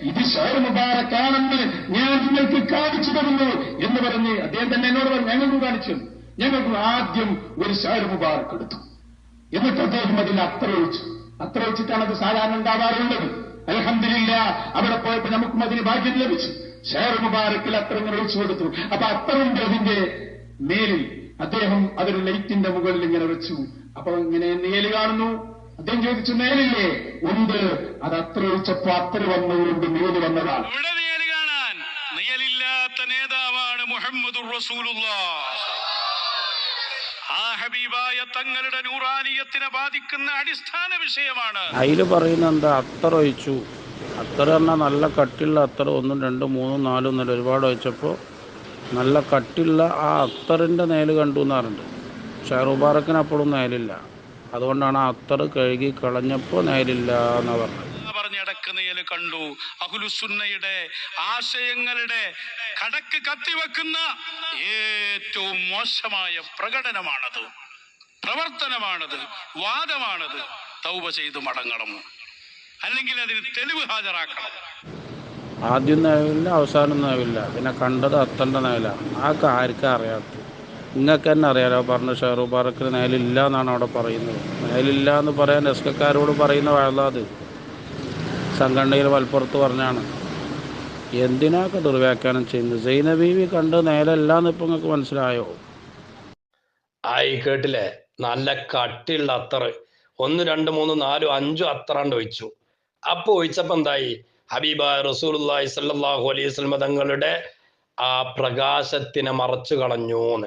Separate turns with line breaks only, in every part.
ഇത് ഷഹർ മുബാറക്കാണെന്ന് ഞാൻ നിങ്ങൾക്ക് കാണിച്ചു തരുന്നു എന്ന് പറഞ്ഞ് അദ്ദേഹം തന്നെ എന്നോട് പറഞ്ഞു, ഞങ്ങൾക്ക് കാണിച്ചു. ഞങ്ങൾക്ക് ആദ്യം ഒരു ഷഹർ മുബാറക്ക് എടുത്തു. എന്നിട്ട് അദ്ദേഹം അതിൽ അത്ര ഒഴിച്ചിട്ടാണ് അത് സാധാരണ ഉണ്ടാവാറുള്ളത്. അൽഹംദുലില്ലാഹ് അവിടെ പോയപ്പോൾ നമുക്കും അതിന് ഭാഗ്യം ലഭിച്ചു. ഷഹർ മുബാറക്കിൽ അത്തരങ്ങൾ ഒഴിച്ചു കൊടുത്തു. അപ്പൊ അത്തറിന്റെ അതിന്റെ മേലിൽ അദ്ദേഹം അതൊരു ലൈറ്റിന്റെ മുകളിൽ ഇങ്ങനെ വെച്ചു. അപ്പൊ ഇങ്ങനെ നേല് കാണുന്നു. അദ്ദേഹം ചോദിച്ചു, നേലില്ലേ? ഉണ്ട്. അത് അത്ര ഒഴിച്ചപ്പോ അത്ര വന്നവരുണ്ട്, നേല് വന്നതാണ്.
ഇവിടെ നേല് കാണാൻ നേലില്ലാത്ത നേതാവാണ് മുഹമ്മദുർ റസൂലുള്ളാഹ്. ആ ഹബീബായ തങ്ങളുടെ നൂറാനിയത്തിനെ ബാധിക്കുന്ന അടിസ്ഥാന വിഷയമാണ്.
അതില് പറയുന്ന എന്താ, അത്തർ ഒഴിച്ചു. അത്തർ പറഞ്ഞാൽ നല്ല കട്ടിയുള്ള അത്തർ 1, 2, 3, 4 എന്നല്ല ഒരുപാട് ഒഴിച്ചപ്പോൾ നല്ല കട്ടിയുള്ള ആ അത്തറിൻ്റെ നേല് കണ്ടു എന്നാറുണ്ട്. ഷഹർ മുബാറക്കിന് അപ്പോഴും നേലില്ല. അതുകൊണ്ടാണ് ആ അത്തർ കഴുകി കളഞ്ഞപ്പോൾ നേലില്ല എന്നാ പറഞ്ഞത്.
പറഞ്ഞിടക്ക് നേല് കണ്ടു. അഹ്ലുസുന്നയുടെ ആശയങ്ങളുടെ കടക്ക് കത്തിവെക്കുന്ന ഏറ്റവും മോശമായ പ്രകടനമാണത്, പ്രവർത്തനമാണത്, വാദമാണത്. തൗബ ചെയ്തു മടങ്ങണം, അല്ലെങ്കിൽ അതിന് തെളിവ് ഹാജരാക്കണം.
ആദ്യം നേവില്ല, അവസാനം നേവില്ല. പിന്നെ കണ്ടത് അത്തൻ്റെ നേലാണ്. ആ ആർക്കും അറിയാത്തത്. നിങ്ങൾക്ക് തന്നെ അറിയാലോ. പറഞ്ഞ ഷഹർ മുബാറക്കിന് നേലില്ല എന്നാണ് അവിടെ പറയുന്നത്. നേലില്ല എന്ന് പറയാൻ എസ്കക്കാരോട് പറയുന്ന വഴലാത് സംഘടനയിൽ മലപ്പുറത്ത് പറഞ്ഞാണ്. എന്തിനാക്കെ ദുർവ്യാഖ്യാനം ചെയ്യുന്നത്? സൈനബീവി കണ്ട് നേലല്ല എന്ന് ഇപ്പം നിങ്ങൾക്ക് മനസ്സിലായോ?
ആയി കേട്ടില്ലേ? നല്ല കട്ടിയുള്ള അത്തറ് 1, 2, 3, 4, 5 അത്തറാണ്ട് ഒഴിച്ചു. അപ്പൊ ഒഴിച്ചപ്പോ എന്തായി? ഹബീബായ റസൂലുള്ളാഹി സ്വല്ലല്ലാഹു അലൈഹി വസല്ലം തങ്ങളുടെ ആ പ്രകാശത്തിനെ മറച്ചു കളഞ്ഞൂന്ന്.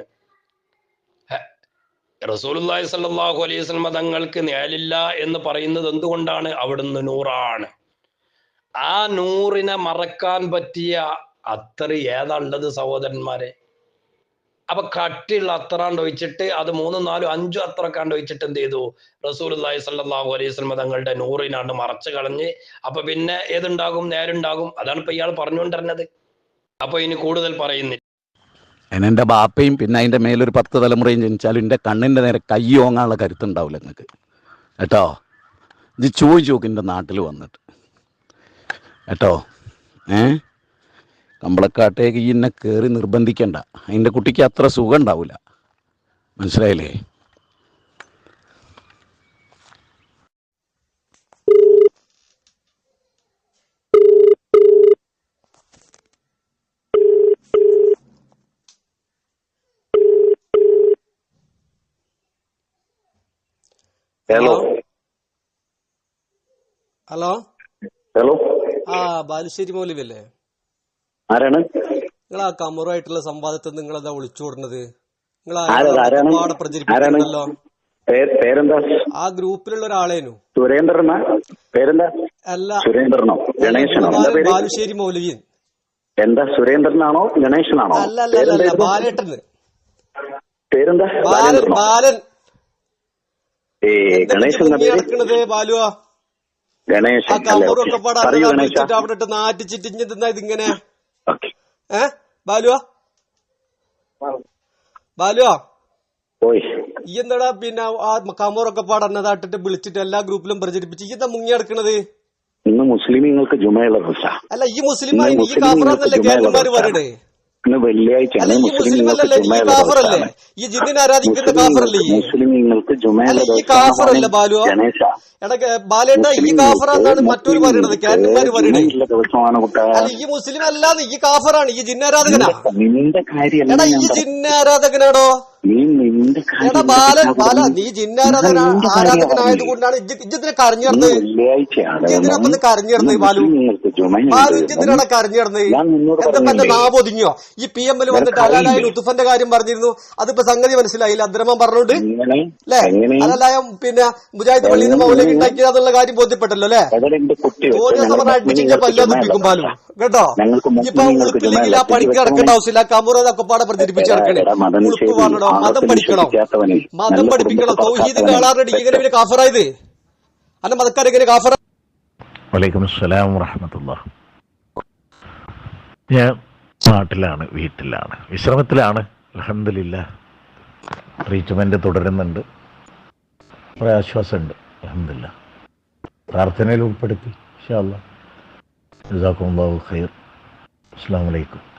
റസൂലുള്ളാഹി സ്വല്ലല്ലാഹു അലൈഹി വസല്ലം തങ്ങൾക്ക് നേലില്ല എന്ന് പറയുന്നത് എന്തുകൊണ്ടാണ്? അവിടുന്ന് നൂറാണ്. ആ നൂറിനെ മറക്കാൻ പറ്റിയ അത്തറ് ഏതാ ഉള്ളത് സഹോദരന്മാരെ? അപ്പൊ കട്ടിയുള്ള അത്തറാണ്ട് ഒഴിച്ചിട്ട് അത് 3, 4, 5 അത്തറക്കാണ്ട് ഒഴിച്ചിട്ട് എന്ത് ചെയ്തു? റസൂലുള്ളാഹി സ്വല്ലല്ലാഹു അലൈഹി വസല്ലം തങ്ങളുടെ നൂറിനാണ്ട് മറച്ചു കളഞ്ഞ്. അപ്പൊ പിന്നെ ഏതുണ്ടാകും? നേരുണ്ടാകും. അതാണ് ഇപ്പൊ ഇയാൾ പറഞ്ഞുകൊണ്ടിരുന്നത്. അപ്പൊ ഇനി കൂടുതൽ പറയുന്നില്ല.
എൻ്റെ ബാപ്പയും പിന്നെ അതിൻ്റെ മേലൊരു 10 തലമുറയും ജനിച്ചാലും എൻ്റെ കണ്ണിൻ്റെ നേരെ കൈ ഓങ്ങാനുള്ള കരുത്തുണ്ടാവില്ല നിങ്ങൾക്ക് കേട്ടോ. ഇത് ചോദിച്ചു നോക്ക് എൻ്റെ നാട്ടിൽ വന്നിട്ട് കേട്ടോ. കമ്പളക്കാട്ടേക്ക് ഈ എന്നെ കയറി നിർബന്ധിക്കണ്ട. അതിൻ്റെ കുട്ടിക്ക് അത്ര സുഖം ഉണ്ടാവില്ല. മനസ്സിലായില്ലേ?
ഹലോ
ഹലോ
ഹലോ,
ആ ബാലുശ്ശേരി മൗലവിയല്ലേ?
ആരാണ്?
നിങ്ങൾ ആ കമറുമായിട്ടുള്ള സംവാദത്തിൽ നിങ്ങൾ എന്താ വിളിച്ചുകൂടുന്നത്? നിങ്ങൾ
ആരാണ്?
പ്രചരിപ്പിക്കുന്നല്ലോ.
പേരെന്താ?
ആ ഗ്രൂപ്പിലുള്ള ഒരാളേനു.
സുരേന്ദ്രനാ? പേരെന്താ?
അല്ല,
സുരേന്ദ്രനോ ഗണേശനോ?
ബാലുശ്ശേരി മൗലവിയൻ.
എന്താ, സുരേന്ദ്രനാണോ ഗണേശനാണോ?
അല്ല അല്ല അല്ല, ബാലേട്ടന്.
പേരെന്താ?
ബാലൻ.
ഗണേശൻ
നടക്കണത് ബാലുവാ.
ഗണേശൻ.
ആ കമറൊക്കെ പാടാ അവിടെ ഇട്ട് നാറ്റിച്ചിട്ടിഞ്ഞ് തിന്നാ ഇതിങ്ങനെ. ബാലുവാ ബാലുവാ ഈ എന്താടാ പിന്നെ ആ കമറൊക്കെ പാടന്നതാട്ടിട്ട് വിളിച്ചിട്ട് എല്ലാ ഗ്രൂപ്പിലും പ്രചരിപ്പിച്ച് ഈ എന്താ മുങ്ങി നടക്കണത്?
ഇന്ന് മുസ്ലിമീങ്ങൾക്ക് ജുമയുള്ള ദിവസാ.
അല്ല, ഈ മുസ്ലിം ഈ കാഫറാന്നല്ലേ കേരളന്മാര് പറയണേ?
ഇന്ന് വെള്ളിയാഴ്ച.
അല്ല, ഈ മുസ്ലിം അല്ലല്ലേ? ഈ കാഫറല്ലേ? ഈ ജിന്നിനെ ആരാധിക്കുന്ന കാഫറല്ലേ?
മുസ്ലിമീങ്ങൾക്ക് ജുമയുള്ള
ഈ കാഫറല്ലേ ബാലുവാ? എടാ ബാലേട്ട, ഈ കാഫറാന്നാണ് മറ്റൊരു പറയണത്, കേരളന്മാര് പറയണേ. അല്ല, ഈ മുസ്ലിം അല്ലാന്ന്, ഈ കാഫറാണ്, ഈ ജിന്നാരാധകനാ.
നിന്റെ കാര്യം
എടാ, ഈ ജിന്നാരാധകനാടോ? എടാ ബാല, നീ ആരാധകനായത് കൊണ്ടാണ് ഇജ്ജത്തിനെ കരഞ്ഞിടന്നത്. ഇജ്ജത്തിനപ്പം കരഞ്ഞിടന്നത് ബാലു. ബാലു ഇജ്ജത്തിനാണ് കരഞ്ഞിടന്നത്. എന്താ എന്റെ നാവൊതുങ്ങിയോ? ഈ PML വന്നിട്ട് അലാലായ ലുത്തുഫന്റെ കാര്യം പറഞ്ഞിരുന്നു. അതിപ്പോ സംഗതി മനസ്സിലായില്ല. അബ്ദുറഹ്മാൻ പറഞ്ഞോണ്ട് അല്ലേ? അലാലായ പിന്നെ മുജാഹിദ് പള്ളിയിൽ നിന്ന് മൗലവി ഉണ്ടാക്കിയതെന്നുള്ള കാര്യം ബോധ്യപ്പെട്ടല്ലോ അല്ലേ? ഓരോ സമയം അടിച്ചിട്ട് പല്ലാതിപ്പിക്കും ബാലു കേട്ടോ. ഇപ്പൊ ഉളുപ്പില്ലെങ്കിൽ ആ പണിക്ക് ഇറക്കേണ്ട ആവശ്യമില്ല. കമുറൊക്കെ പാടെ പ്രചരിപ്പിച്ച് ഇറക്കണേ. ഉളുപ്പ് പറഞ്ഞോ, മതം പഠിക്കണം, മതം പഠിപ്പിക്കണം. തൗഹീദിന്റെ ആളാറടി ഇങ്ങനെ പിന്നെ കാഫറായത് അല്ല മതക്കാരെങ്ങനെ കാഫറ?
വലൈക്കും അസ്സലാം വറഹ്മത്തുള്ളാഹി. ഞാൻ നാട്ടിലാണ്, വീട്ടിലാണ്, വിശ്രമത്തിലാണ്. അൽഹംദുലില്ലാഹ്, ട്രീറ്റ്മെന്റ് തുടരുന്നുണ്ട്. കുറേ ആശ്വാസമുണ്ട്. അൽഹംദുലില്ലാഹ്, പ്രാർത്ഥനയിൽ ഉൾപ്പെടുത്തി ഇൻഷാ അല്ലാഹ് ജസാക്കുമുല്ലാഹു ഖൈർ. അസ്സലാമു അലൈക്കും.